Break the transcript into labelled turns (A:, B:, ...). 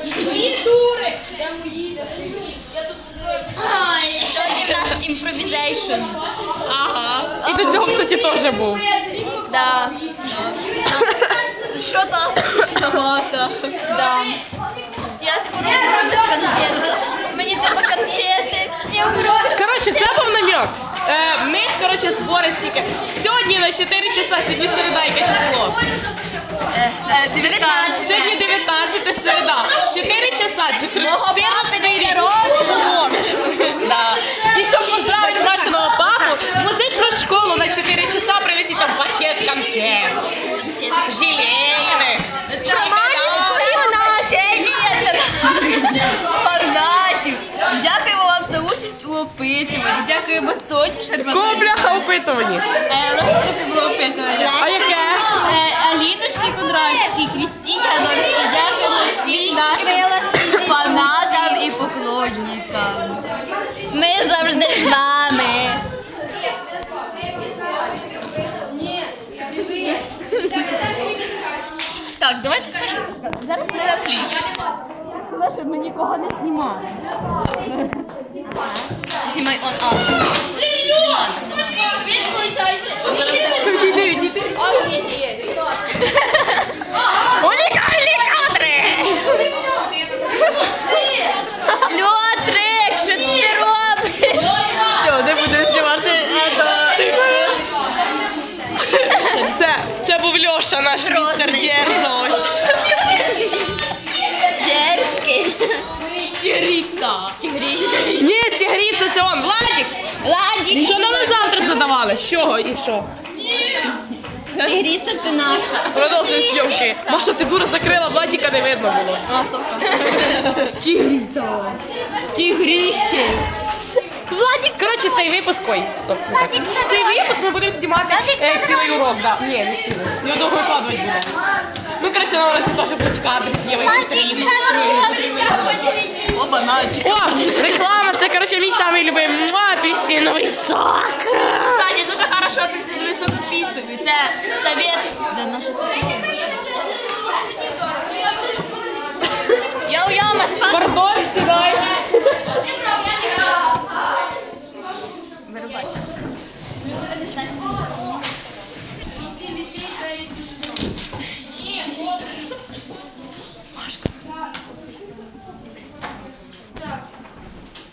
A: Твої дури! Де мої? Я тут
B: Сьогодні в нас імпровізейшн.
C: Ага. І до цього, кстати, теж був.
B: Да. Що там? Да. Я скоро умру без конфети. Мені треба конфети. Я умру.
C: Коротше, це був намек. Ми, коротше, збори скільки. Сьогодні на 4 часа, сьогодні середа, яке число?
B: 19.
C: Сьогодні 19 середа. 4 часа, 14 рік. Да. І щоб поздравити нашого папу, в музичну школу на 4 часа принесіть там пакет конфет. Желейних.
B: Фанатів. Дякуємо вам за участь у опитуванні. Дякуємо Соні Шармазовій.
C: Кого бляха опитувані?
B: Розшукати було опитування.
C: А яке?
B: Аліночці Кондратській, Крістіні Ганорській. Дякуємо всім нашим фанатам і поклонникам. Ми завжди з вами. Так, давайте зараз ми на кліч. Щоб ми нікого не знімали. Знімай он.
C: Унікальні кадри!
B: Льотрик, що ти робиш?
C: Все, не будемо знімати. Це був Льоша, наш містер Дерзость.
B: Дерзкий.
C: Тігриця.
B: Тігріща.
C: Ні, тігриця це он. Владик.
B: Владик.
C: Що нам завтра задавали? З чого і що?
B: Тігріця це наша.
C: Продовжуємо зйомки. Маша, ти дура закрила, Владика не видно було. Тігриця.
B: Тігріще.
C: Владик. Коротше, цей випуск, ой, стоп. не так. Цей випуск ми будемо знімати цілий урок, да. Ні, не цілий. Його довго викладувати буде. Ну, коротше, на уроці теж будуть кадри з Євою Петрівною.
B: Оба наче.
C: О, реклама, це, коротше, мій самий любимий апельсиновий сок.
B: Кстати, дуже хорошо апельсиновий сок з піцею. Це совет для наших. Йоу-йоу, маспа.
C: Пардон, сідай.
B: Вирубайте.